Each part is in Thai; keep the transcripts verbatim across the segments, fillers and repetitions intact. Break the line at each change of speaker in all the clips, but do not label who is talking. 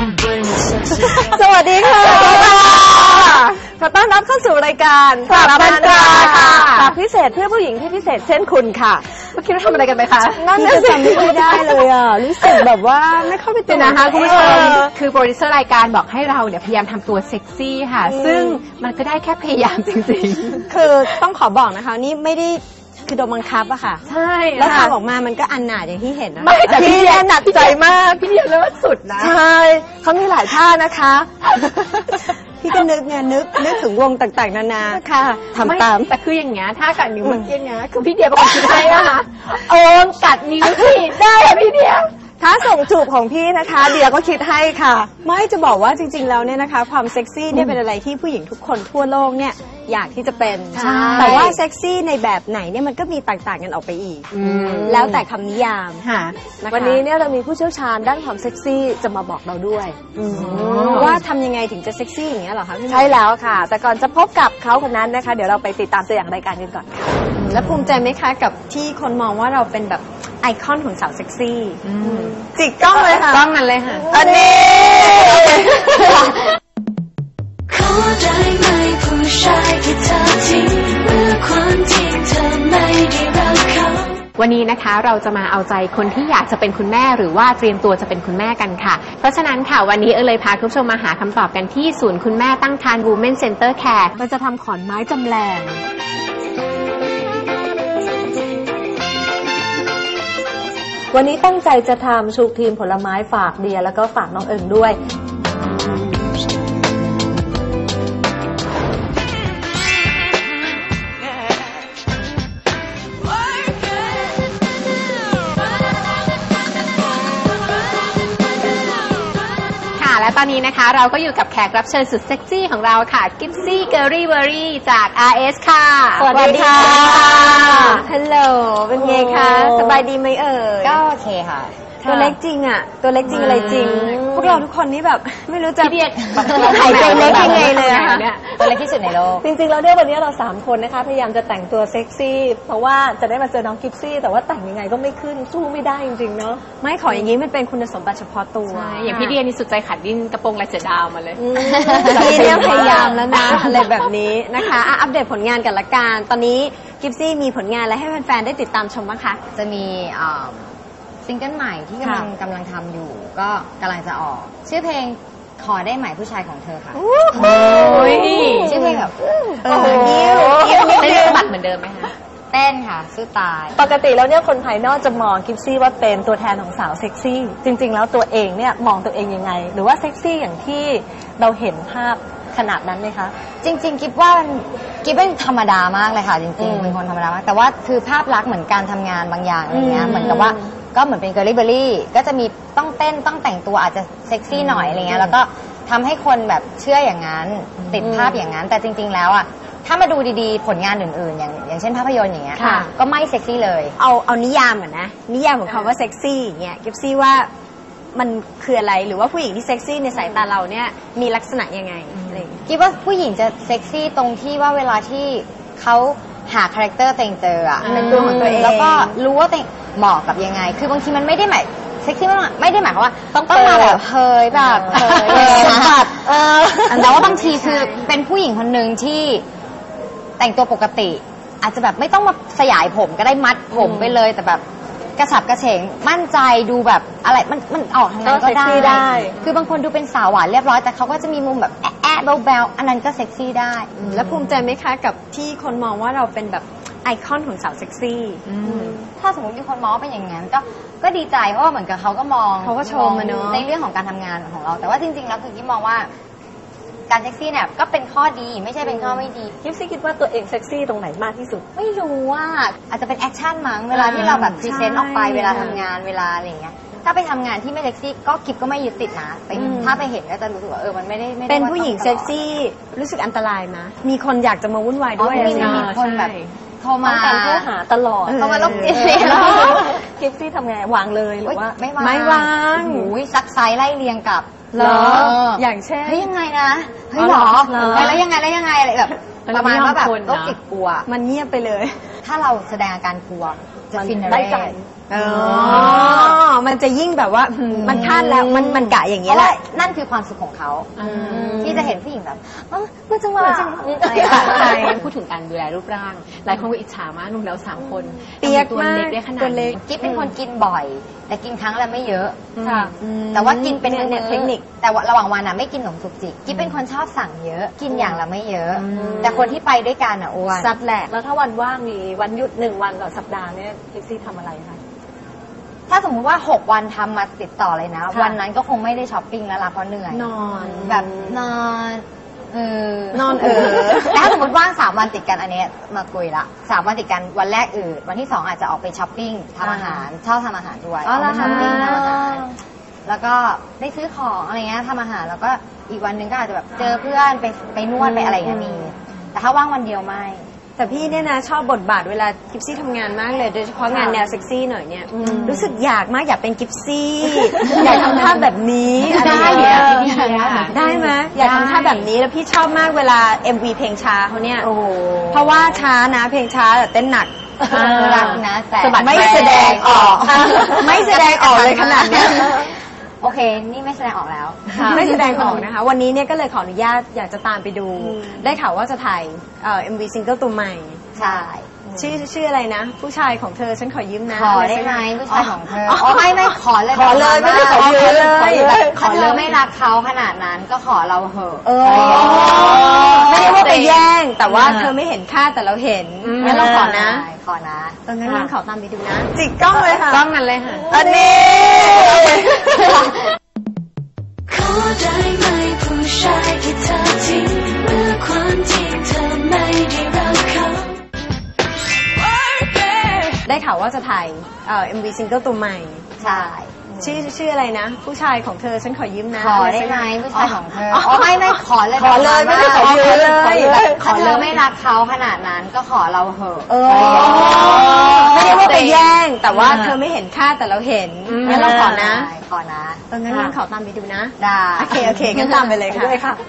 สวัสดีค่ะขอต้อนรับเข้าสู่รายการสารพันตราค่ะตามพิเศษเพื่อผู้หญิงที่พิเศษเช่นคุณค่ะเมื่อกี้เราทำอะไรกันไปคะนั่นจะจำไม่ได้เลยอ่ะรู้สึกแบบว่าไม่เข้าไปตัวนะคะคุณผู้ชม
คือโปรดิวเซอร์รายการบอกให้เราเนี่ยพยายามทำตัวเซ็กซี่ค่ะซึ่งมันก็ได้แค่พยายามจริง
ๆคือต้องขอบอกนะคะนี่ไม่ได้คือโดนบังคับอะค่ะ
ใช่
แล้วทำออกมามันก็อันหนาอย่างที่เห็นนะ
ไม่แต่พี่เนี่ยหนักใจมากพี่เนี่ยเลิศสุดนะ
ใช่เขามีหลายท่านะคะพี่ก็นึกไงนึกนึกถึงวงต่างๆนานาค่ะทำตาม
แต่คืออย่างเงี้ยถ้ากัดนิ้วเมื่อกี้เนี้ยคือพี่เดียเป็นคนคิดให้นะคะโอ้กัดนิ้วสิได้พี่เดีย
ถ้าส่งจูบของพี่นะคะเดียก็คิดให้ค่ะไม่จะบอกว่าจริงๆแล้วเนี่ยนะคะความเซ็กซี่เนี่ยเป็นอะไรที่ผู้หญิงทุกคนทั่วโลกเนี่ยอยากที่จะเป็นแต่ว่าเซ็กซี่ในแบบไหนเนี่ยมันก็มีต่างๆกันออกไปอีกแล้วแต่คำนิยามวันนี้เนี่ยเรามีผู้เชี่ยวชาญด้านความเซ็กซี่จะมาบอกเราด้วยว่าทำยังไงถึงจะเซ็กซี่อย่างเงี้ยหรอคะใช่แล้วค่ะแต่ก่อนจะพบกับเขาคนนั้นนะคะเดี๋ยวเราไปติดตามตัวอย่างรายการกันก่อนค่ะแล้วภูมิใจไหมคะกับที่คนมองว่าเราเป็นแบบไอคอนของสาวเซ็กซี่จิกกล้องเลยค่ะ
กล้องนั้นเลยค่ะ
อันนี้
ขอได้ไหมผู้ชายที่เธอทิ้งเมื่อความจริงเธอไม่ได้รักเขา
วันนี้นะคะเราจะมาเอาใจคนที่อยากจะเป็นคุณแม่หรือว่าเตรียมตัวจะเป็นคุณแม่กันค่ะเพราะฉะนั้นค่ะวันนี้เอเลยพาคุณผู้ชมมาหาคำตอบกันที่ศูนย์คุณแม่ตั้งครรภ์ Women Center Care
เราจะทำขอนไม้จำแรงวันนี้ตั้งใจจะทำชูครีมผลไม้ฝากเดียแล้วก็ฝากน้องเอิงด้วย
และตอนนี้นะคะเราก็อยู่กับแขกรับเชิญสุดเซ็กซี่ของเราค่ะกิฟซี่เกอรี่เบอรี่จาก อาร์ เอส ค่ะ
สวัสดีค่ะฮัลโหลเป็นไงคะสบายดีไหมเอ่ย
ก็โอเคค่ะ
ตัวเล็กจริงอ่ะตัวเล็กจริงอะไรจริงพวกเราทุกคนนี่แบบไม่รู้จะ
หายใจ
เล็กยังไงเลยนะคะ
ตัวเล็กที่สุดในโลก
จริงๆแล้วเนี่ยวันนี้เราสามคนนะคะพยายามจะแต่งตัวเซ็กซี่เพราะว่าจะได้มาเจอน้องกิฟซี่แต่ว่าแต่งยังไงก็ไม่ขึ้นสู้ไม่ได้จริงๆเนาะไม่ขออย่างนี้มันเป็นคุณสมบัติเฉพาะตัว
อย่างพี่เดียนี่สุดใจขัดดิ้นกระโปรงลายเสือดาวมาเลย
พี่เนี่ยพยายามแล้วนะอะไรแบบนี้นะคะอัปเดตผลงานกันละกันตอนนี้กิฟซี่มีผลงานอะไรให้แฟนๆได้ติดตามชมบ้างคะ
จะมีซิงเกิลใหม่ที่กำลังกำลังทำอยู่ก็กำลังจะออกชื่อเพลงขอได้ไหมผู้ชายของเธอค่ะชื่อเพลงแบบ
ยิ้วยิ้วเต้นสะบัดเหมือนเดิมไหมคะ
เต้นค่ะสู้ตาย
ปกติแล้วเนี่ยคนภายนอกจะมองกิฟซี่ว่าเป็นตัวแทนของสาวเซ็กซี่จริงๆแล้วตัวเองเนี่ยมองตัวเองยังไงหรือว่าเซ็กซี่อย่างที่เราเห็นภาพขนาดนั้นไหมคะ
จริงๆกิฟว่ากิฟเป็นธรรมดามากเลยค่ะจริงๆเป็นคนธรรมดามากแต่ว่าคือภาพลักษณ์เหมือนการทำงานบางอย่างอะไรเงี้ยเหมือนกับว่าก็เหมือนเป็นเกอร์ลี่เบอร์รี่ก็จะมีต้องเต้นต้องแต่งตัวอาจจะเซ็กซี่หน่อยอะไรเงี้ยแล้วก็ทำให้คนแบบเชื่ออย่างนั้นติดภาพอย่างนั้นแต่จริงๆแล้วอ่ะถ้ามาดูดีๆผลงานอื่นๆอย่างอย่างเช่นภาพยนตร์อย่างเงี้ยก็ไม่เซ็กซี่เลย
เอาเอานิยามก่อนนะนิยามของคำว่าเซ็กซี่อย่างเงี้ยกิฟซี่ว่ามันคืออะไรหรือว่าผู้หญิงที่เซ็กซี่ในสายตาเราเนี่ยมีลักษณะยังไงอะไร
คิดว่าผู้หญิงจะเซ็กซี่ตรงที่ว่าเวลาที่เขาหาคาแรคเตอร์ตัวเองเจออ่ะ
เป็นตัวของตัวเอง
แล้วก็รู้ว่าตัวเองเหมาะกับยังไงคือบางทีมันไม่ได้หมายเซ็กซี่ไม่ได้หมายความว่าต้องมาแบบเฮยแบบเฮยนะคะแต่ว่าบางทีคือเป็นผู้หญิงคนหนึ่งที่แต่งตัวปกติอาจจะแบบไม่ต้องมาสยายผมก็ได้มัดผมไปเลยแต่แบบกระฉับกระเฉงมั่นใจดูแบบอะไรมันมันออกทางนั้นก็ได้คือบางคนดูเป็นสาวหวานเรียบร้อยแต่เขาก็จะมีมุมแบบแอะแอะแบลๆอันนั้นก็เซ็กซี่ได้
แล้วภูมิใจไหมคะกับที่คนมองว่าเราเป็นแบบไอคอนของสาวเซ็กซี่
ถ้าสมมติมีคนมองเป็นอย่างนั้นก็ก็ดีใจเพราะว่าเหมือนกับเขาก็มอง
เขาก็ชมมาเนอะ
ในเรื่องของการทำงานของเราแต่ว่าจริงๆแล้วคือกิ๊บมองว่าการเซ็กซี่เนี่ยก็เป็นข้อดีไม่ใช่เป็นข้อไม่ดี
กิฟซี่คิดว่าตัวเองเซ็กซี่ตรงไหนมากที่สุด
ไม่รู้ว่าอาจจะเป็นแอคชั่นมั้งเวลาที่เราแบบพรีเซนต์ออกไปเวลาทำงานเวลาอะไรอย่างเงี้ยถ้าไปทำงานที่ไม่เซ็กซี่ก็กิฟก็ไม่ยึดติดนะถ้าไปเห็นก็จะรู้สึกว่าเออมันไม่ได้
เป็นผู้หญิงเซ็กซี่รู้สึกอันตรายนะมีคนอยากจะมาวุ่นวายด้วย
มีคนแบบโทรมา
การโทรหาตลอด
โทรมาลบจิต
กิฟซี่ทำไงวางเลยหรือว่า
ไม่วาง
ไม่วาง
หูยซักไซส์ไล่เรียงกับ
เหรออย่างเช่น
เฮ้ยยังไงนะเฮ้ยหรอแล้วยังไงแล้วยังไงอะไรแบบประมาณว่าแบบโรคจิตกลัว
มันเงียบไปเลย
ถ้าเราแสดงอาการกลัวจะฟิน
ได้ใจอ๋อมันจะยิ่งแบบว่าหืมมันคาดแล้วมันมันกะอย่าง
เพ
นี้
ราะ
แห
ว่า
ละ
นั่นคือความสุขของเขา
อืม
ที่จะเห็นผู้หญิงแบบเออมันจังหวะ
ใช่พูดถึงการดูแลรูปร่าง หลายคนก็อิจฉามากหนุ่มเราสามคน
เปียก
ตัว
มาก
เล็กได้ขนาด
ตัวเล็
นี้
ก
กิ๊บเป็นคนกินบ่อย แต่กินครั้งละไม่เยอะ
ค่ะ
แต่ว่ากินเป็น
เนี่ย
มื้อ
เทคนิค
แต่ว่าระหว่างวันอ่ะไม่กินขนมจุกจิกกิ๊บเป็นคนชอบสั่งเยอะ กินอย่างละไม่เยอะ แต่คนที่ไปด้วยกันอ่ะอ้วน
ซัดแหลก
แล้วถ้าวันว่างมีวันหยุดหนึ่งวันต่อสัปดาห์เนี่ยเซ็กซี่ทำอะไรคะ
ถ้าสมมติว่าหกวันทำมาติดต่อเลยนะ
ค่ะ
วันนั้นก็คงไม่ได้ช้อปปิ้งแล้วล่ะเพราะเหนื่อย
นอน
แบบนอนเออน
อนเออ
แต่ถ้าสมมติว่างสามวันติดกันอันเนี้ยมาคุยละสามวันติดกันวันแรกอืดวันที่สองอาจจะออกไปช้อปปิ้งทำอาหารชอบทำอาหารด้วย
อ๋อเหรอ
ไปช้อปปิ้ง
คะ
ทำอาหารแล้วก็ได้ซื้อของอะไรเงี้ยทำอาหารแล้วก็อีกวันหนึ่งก็อาจจะแบบเจอเพื่อนไปไปนวดไปอะไรอย่างเงี้ยมีแต่ถ้าว่างวันเดียวไม่
แต่พี่เนี่ยนะชอบบทบาทเวลากิฟซี่ทำงานมากเลยโดยเฉพาะงานแนวเซ็กซี่หน่อยเนี่ยรู้สึกอยากมากอยากเป็นกิฟซี่ อยากทำท่าแบบนี้อะไร
ได้
อย่าง
เดี๋
เงี้
ยวย พี่ดีอะ
ได้ไหมอยากทำท่าแบบนี้แล้วพี่ชอบมากเวลา เอ็ม วี เพลงช้าเขาเนี่ย
โอ้โห
เพราะว่าช้านะเพลงช้าแต่เต้นหนัก
รักนะแต่
สะบัด
ไม่แสดงออก ไม่แสดงออกเลยขนาดเนี้ย
โอเค นี่ไม่แสดงออกแล้ว
ไม่แสดงออกนะคะ วันนี้เนี่ยก็เลยขออนุญาตอยากจะตามไปดู ได้ข่าวว่าจะถ่ายเอ่อ เอ็ม วี ซิงเกิลตัวใหม่
ใช่
ชื่อชื่ออะไรนะ ผู้ชายของเธอฉันขอยืมนะ
ขอได้ไหมผู้ชายของเธออ๋อไม่ไม่ขอเลย
ขอเลยไม่ได้ขอยืมเลย
ขอเธอไม่รักเขาขนาดนั้นก็ขอเราเหอะ
เออไม่ได้ว่าไปแย่ง แต่ว่าเธอไม่เห็นค่าแต่เราเห็นงั้นเราขอนะ
ใช่ขอนะ
ตอนนั้นงั้นขอตามไปดูนะ จิกกล้องเลยค่ะ
กล้องนั้นเลยค่ะ
อันนี้
ขอได้ไหมผู้ชายที่เธอทิ้งเมื่อความจริงเธอไม่ได้รักเขา
ได้ข่าวว่าจะถ่ายเอ่อ เอ็ม วี ซิงเกิลตัวใหม่
ใช่
ชื่อชื่ออะไรนะ ผู้ชายของเธอฉันขอยืมนะ
ขอได้ไหมผู้ชายของเธออ๋อไม่ไม่ขอเลย
ขอเลยไม่ได้ขอยืมเลย
ขอเธอไม่รักเขาขนาดนั้นก็ขอเราเหอะ
เออไม่ได้ว่าไปแย่ง แต่ว่าเธอไม่เห็นค่าแต่เราเห็นงั้นเราขอนะ
ใช่ขอนะ
ตอนนั้นงั้นขอตามไปดูนะ
ได้
โอเค โอเคงั้นตามไปเลยค่ะ
ด้วยค่ะ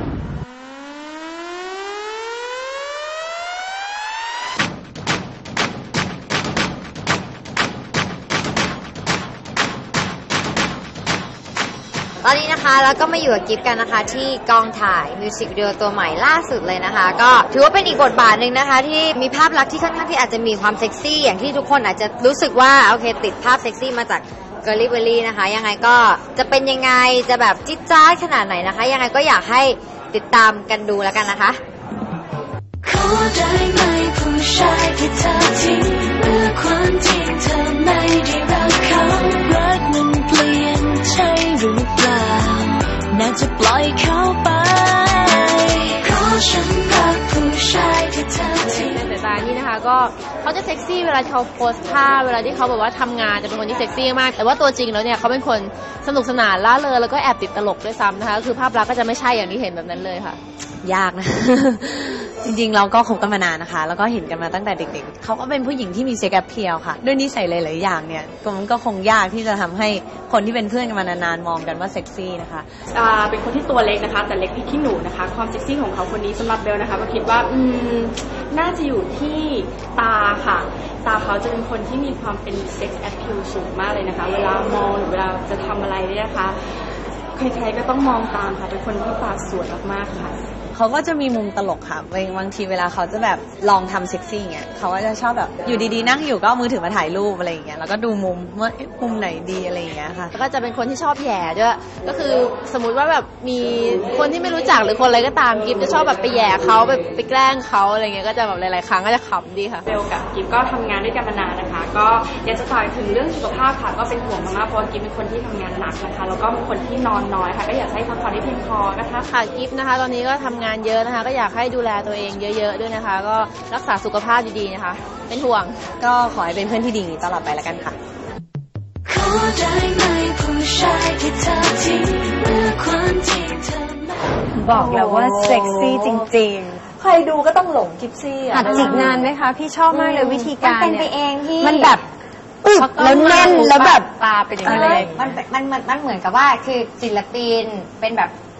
ตอนนี้นะคะแล้วก็มาอยู่กับกิฟต์กันนะคะที่กองถ่ายมิวสิกวิดีโอตัวใหม่ล่าสุดเลยนะคะ ก็ถือว่าเป็นอีกบทบาทหนึ่งนะคะ ที่มีภาพลักษณ์ที่ค่อนข้างที่อาจจะมีความเซ็กซี่อย่างที่ทุกคนอาจจะรู้สึกว่าโอเคติดภาพเซ็กซี่มาจากเกอร์ลี่เบอรี่นะคะยังไงก็จะเป็นยังไงจะแบบจิ๊ดจ๊าดขนาดไหนนะคะ ยังไงก็อยากให้ติดตามกันดูแล้วกันนะคะ
ขอได้ไหมผู้ชายที่เธอทิ้งเมื่อความจริงเธอไม่ได้รักเขารักมันเปลี่ยนใช่หรือเปล่าน่าจะปล่อยเขาไปขอฉันรักผู้ชายที่เธอทิ้ง
ในสายตานี่นะคะก็เขาจะเซ็กซี่เวลาที่เขาโพสท่าเวลาที่เขาแบบว่าทำงานจะเป็นคนที่เซ็กซี่มากแต่ว่าตัวจริงแล้วเนี่ยเขาเป็นคนสนุกสนานล่าเริงแล้วก็แอบติดตลกด้วยซ้ำนะคะคือภาพลักษณ์ก็จะไม่ใช่อย่างที่เห็นแบบนั้นเลยค่ะ
ยากนะ จริงๆเราก็คบกันมานานนะคะ แล้วก็เห็นกันมาตั้งแต่เด็กๆเขาก็เป็นผู้หญิงที่มีเซ็กแอปเพียลค่ะ ด้วยนิสัยหลายๆอย่างเนี่ยก็มันก็คงยากที่จะทำให้คนที่เป็นเพื่อนกันมานานๆมองกันว่าเซ็กซี่นะคะ
อ่าเป็นคนที่ตัวเล็กนะคะแต่เล็กพริกขี้หนูนะคะความเซ็กซี่ของเขาคนนี้สำหรับเบลนะคะก็คิดว่าอืมน่าจะอยู่ที่ตาค่ะตาเขาจะเป็นคนที่มีความเป็นเซ็กซ์แอพพิลสูงมากเลยนะคะเวลามองหรือเวลาจะทำอะไรเนี่ยนะคะใครๆก็ต้องมองตามค่ะเป็นคนที่ตาสวยมากๆค่ะ
เขาก็จะมีมุมตลกค่ะบางทีเวลาเขาจะแบบลองทำเซ็กซี่เงี้ยเขาก็จะชอบแบบอยู่ดีๆนั่งอยู่ก็เอามือถือมาถ่ายรูปอะไรอย่างเงี้ยแล้วก็ดูมุมว่าเอ๊ะมุมไหนดีอะไรอย่างเงี้ยค่ะ
แล้วก็จะเป็นคนที่ชอบแหย่ด้วยก็คือสมมุติว่าแบบมีคนที่ไม่รู้จักหรือคนอะไรก็ตามกิฟจะชอบแบบไปแหย่เขาไปไปแกล้งเขาอะไรเงี้ยก็จะแบบหลายๆครั้งก็จะขำดีค่ะ
เบลกับกิฟก็ทำงานด้วยกันมานานนะคะ ก็อยากจะฝากถึงเรื่องสุขภาพค่ะก็เป็นห่วงมากๆเพราะว่ากิฟเป็นคนที่ทำงานหนักนะคะแล้วก็เป็นคนที่นอนน้อยค่ะก็อยากให้พักผ่อนให้เพียงพอนะคะ
ค่ะกิฟนะคะตอนนี้ก็ทำงานเยอะนะคะก็อยากให้ดูแลตัวเองเยอะๆด้วยนะคะ ก็รักษาสุขภาพดีๆนะคะเป็นห่วง
ก็ขอให้เป็นเพื่อนที่ดีตลอดไปแล้วกันค่ะ
ขอได้ไหมผู้ชายที่เธอทิ้งเมื่อความจริงเธอไม่
บอกแล้วว่าเซ็กซี่จริง
ใครดูก็ต้องหลงกิฟซี่
ๆ
อ่ะ
หัดจิกนานไหมคะ พี่ชอบมากเลยวิธีการ
มันเป็นไป
ย
เองพี่
มันแบบอึบแล้วแน่นแล้วแบบ
ตาเป็นอย่างนี้เลย
มันมันมันมันเหมือนกับว่าคือศิลปินเป็นแบบ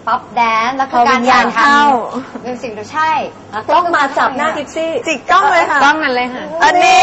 ป๊อปแดนซ์แล้ว
พ
คือ อ
วิ
การ
ญญาณเข้า
มิวสิกดูใช่
กล้องมาจับหน้ากิฟซี่
จิกกล้องเลยค่ะ
กล้องนั้นเลยค่ะ
อันนี้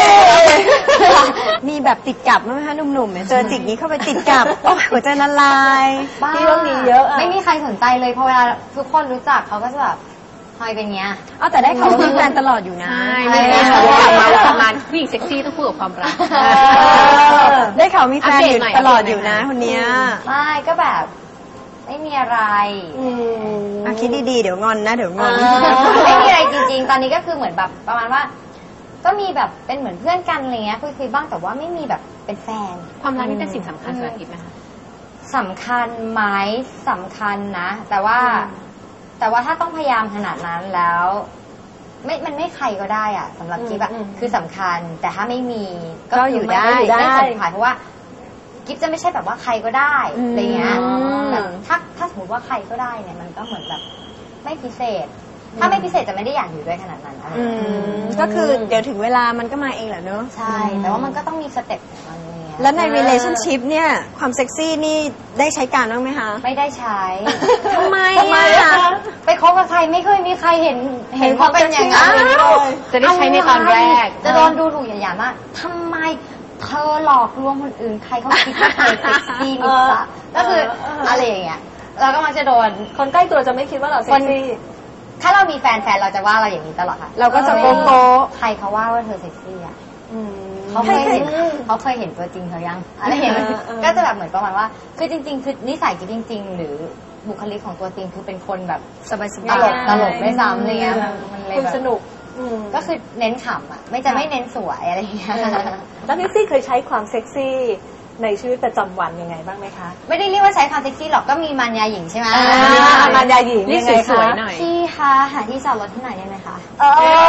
มีแบบติดกับไหมคะหนุ่มๆเนี่ยเจอจิกนี้เข้าไปติดกับโอ้ยหัวใจละลาย
บ้า
ที่ว่ามีเยอะอะ
ไม่มีใครสนใจเลยเพราะเวลาทุกคนรู้จักเขาก็จะแบบทำไมเป็นเงี้ย
เอาแต่ได้ข่าวว่ามีแฟนตลอดอยู่นะ
ใช่ไม่ได้ชอบกลับมาประมาณผู้หญิงเซ็กซี่ต้องพูดกับความรัก
เออได้ข่าวมีแฟนอยู่
อัปเดตหน่อย
ตลอดอยู่นะคนเนี้ย
ไม่ก็แบบไม่มีอะไร
อ่ะคิดดีๆเดี๋ยวงอนนะเดี๋ยวงอน
ไม่มีอะไรจริงๆ ตอนนี้ก็คือเหมือนแบบประมาณว่า ก็มีแบบเป็นเหมือนเพื่อนกันอะไรเงี้ยคุยๆบ้างแต่ว่าไม่มีแบบเป็นแฟน
ความรักนี่เป็นสิ่งสำคัญสำหรับกิฟไหมคะ
สำคัญไหมสำคัญนะ แต่ว่า แต่ว่าถ้าต้องพยายามขนาดนั้นแล้ว ไม่มันไม่ใครก็ได้อะสำหรับกิฟอะ
อืม
คือสำคัญ แต่ถ้าไม่มี
ก็อยู่ได้
ไม่
ได้
ไม่สำคัญเพราะว่ากิฟจะไม่ใช่แบบว่าใครก็ได้อะไรเงี้ย
อืม
แบบถ้าถ้าสมมติว่าใครก็ได้เนี่ยมันก็เหมือนแบบไม่พิเศษ ถ้าไม่พิเศษจะไม่ได้อยากอยู่ด้วยขนาดนั้นอะไร
อื
เงี้ย
มก็คือเดี๋ยวถึงเวลามันก็มาเองแหละเนอะ
ใช่ แต่ว่ามันก็ต้องมีสเต็ปของมันเงี้ย
แล้วใน relationship เนี่ยความเซ็กซี่นี่ได้ใช้การบ้างไหมคะ
ไม่ได้ใช้
ทำไม
ทำไม
อ่ะ
อะคะ
ไปคบกับใครไม่เคยมีใครเห็นเห็นว่าเป็นอย่างนั้น
อ้าว
จะได้ใช้ในตอนแรก
จะโดนดูถูกอย่างๆมากทำไมเธอหลอกลวงคนอื่นใครเขาคิดว่าเธอเซ็กซี่นิสะก็คืออะไรอย่างเงี้ยเราก็มักจะโดน
คนใกล้ตัวจะไม่คิดว่าเราเซ็กซี่
ถ้าเรามีแฟนแฟนเราจะว่าเราอย่างนี้ตลอดค่ะ
เราก็จะโก๊ะโก๊ะ
ใครเขาว่าว่าเธอเซ็กซี่อ่ะ
อืม
เขาเคยเห็นเขาเคยเห็นตัวจริงเขายังอะไรอย่างเงี้ย
เออเออ
ก็จะแบบเหมือนประมาณว่า คือจริง ๆ คือนิสัยกิ๊บจริง ๆ หรือบุคลิกของตัวจริงคือเป็นคนแบบ
สบายส
ต
บาย
ลกตลกไม่ซ้ำอะไรเงี้ยมันเลย
คุณ
แบบ
สนุกอืม
ก็คือเน้นขำอ่ะ ไม่จะไม่เน้นสวยอะไรอย่างเงี้ย
แล้วพิซซี่เคยใช้ความเซ็กซี่ในชีวิตประจำวันยังไงบ้างไหมคะ
ไม่ได้เรียกว่าใช้ความเซ็กซี่หรอกก็มีมารยาหญิงใช่ไหม
อ่ามารยาหญิง
นี่
ยังไง
สวย
คะ
ๆหน่อย
พี่คะหาที่จอดรถที่ไหนได้ไหมคะ
เอ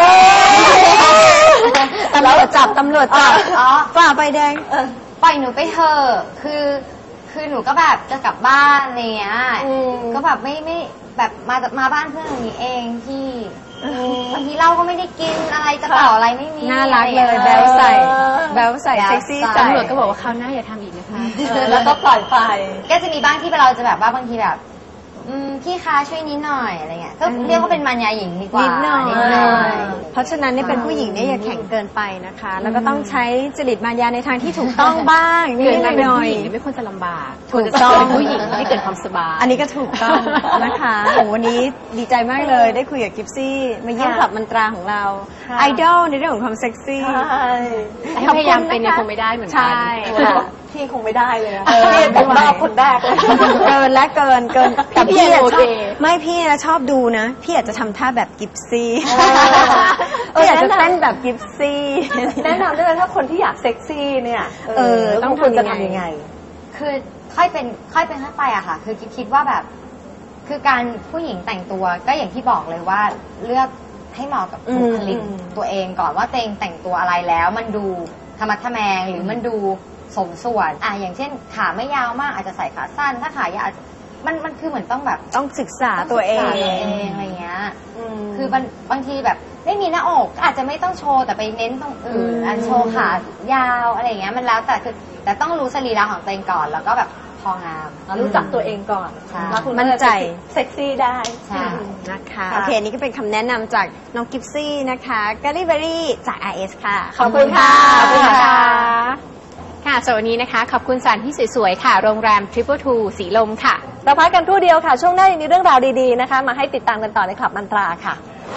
อ
ตำรวจจับตำรวจจับ
อ๋อ
ฝ่าไฟแดง
ปล่อยหนูไปเถอะคือ คือหนูก็แบบจะกลับบ้านอะไรเงี้ย
อืม
ก็แบบไม่ไม่แบบมามาบ้านเพื่อนอย่างนี้เองที่บางทีเหล้าก็ไม่ได้กินอะไรกระเป๋าอะไรไม่มี
น่ารักเลย
อะไร
แบ
งี้
วใส่
เออ
แบวใส่เซ็กซี่ใส่
ตำรวจก็บอกว่าคราวหน้าอย่าทำอีกนะคะ
เออแล้วก็ปล่อยไป
ก็จะมีบ้างที่เราจะแบบว่าบางทีแบบ อืมพี่คะช่วยนิดหน่อยอะไรเงี้ยก็เรียกว่าเป็นมารยาหญิงดีกว่า
นิดหน่อย
นิดหน่อย
เพราะฉะนั้นเนี่ยเป็นผู้หญิงเนี่ยอย่าแข็งเกินไปนะคะ แล้วก็ต้องใช้จริตมารยาในทางที่ถูกต้องบ้างนิ
เกิด
ด
มาเป็น
หน่อ
ผู้
ย
หญิงเนี่ยไม่ควรจะลำบาก
ถูกต้อง
เป็นผู้หญิงให้เกิดความสบาย
อันนี้ก็ถูกต้องนะคะโอ้วันนี้ดีใจมากเลยได้คุยกับกิฟซี่มาเยี่ยม
ค่ะ
คลับมันตราของเรา
ค่ะ
ไอดอลในเรื่องของความเซ็กซี่
ใช่
ให้พยายามเป็นเนี่ยคงไม่ได้เหมือนกั
ใช่
พี่คงไม่ได้เลยอะ
เออ
พี่เป็นรอบคนแรกเลย
เกินและเกินเกินแต่
พี่
พี่อะ
โอ
ช
เค
อบไม่พี่นะชอบดูนะ พี่อาจจะทำท่าแบบกิฟซี่
เออ
พี่อาจจะเต้นแบบกิฟซี่
แนะนำด้วยนะถ้าคนที่อยากเซ็กซี่เนี่ย
เออ
ต้องควรจะทำยังไง
คือค่อยเป็นค่อยเป็นค่อยไปอะค่ะ คือคิดคิดว่าแบบ คือการผู้หญิงแต่งตัวก็อย่างที่บอกเลยว่าเลือกให้เหมาะกับบุคลิก
อืม
ตัวเองก่อนว่าตัวเองแต่งตัวอะไรแล้ว มันดูธรรมะทะแมงหรือมันดูสมส่วนอ่ะอย่างเช่น ขาไม่ยาวมากอาจจะใส่ขาสั้น ถ้าขายาวอาจจะมันมันคือเหมือนต้องแบบ
ต้องศึกษาตัวเอง
ศึกษาตัวเองอะไรเงี้ย
ม
คือบางบางทีแบบไม่มีหน้าอกอาจจะไม่ต้องโชว์แต่ไปเน้นตรงอื่น
อืม
อันโชว์ขายาวอะไรอย่างเงี้ยมันแล้วแต่คือแต่ต้องรู้สรีระของตัวเองก่อนแล้วก็แบบพองาม
รู้จักตัวเองก่อน
ใช่
แล้วคุณ
มั่นใจ
เซ็กซี่ได้
ใช่
นะคะ
ค่ะ
โอเคนี่ก็เป็นคำแนะนำจากน้องกิฟซี่นะคะกาลิเบอรี่จาก อาร์ เอส ค่ะ
ขอบคุณค่ะ
ขอบคุณค่ะ
ค่ะสำหรับวันนี้นะคะ ขอบคุณสถานที่สวยๆค่ะ โรงแรม Triple Two สีลมค่ะ
เราพักกันครู่เดียวค่ะ ช่วงหน้ายังมีเรื่องราวดีๆนะคะ มาให้ติดตามกันต่อในคลับมันตราค่ะ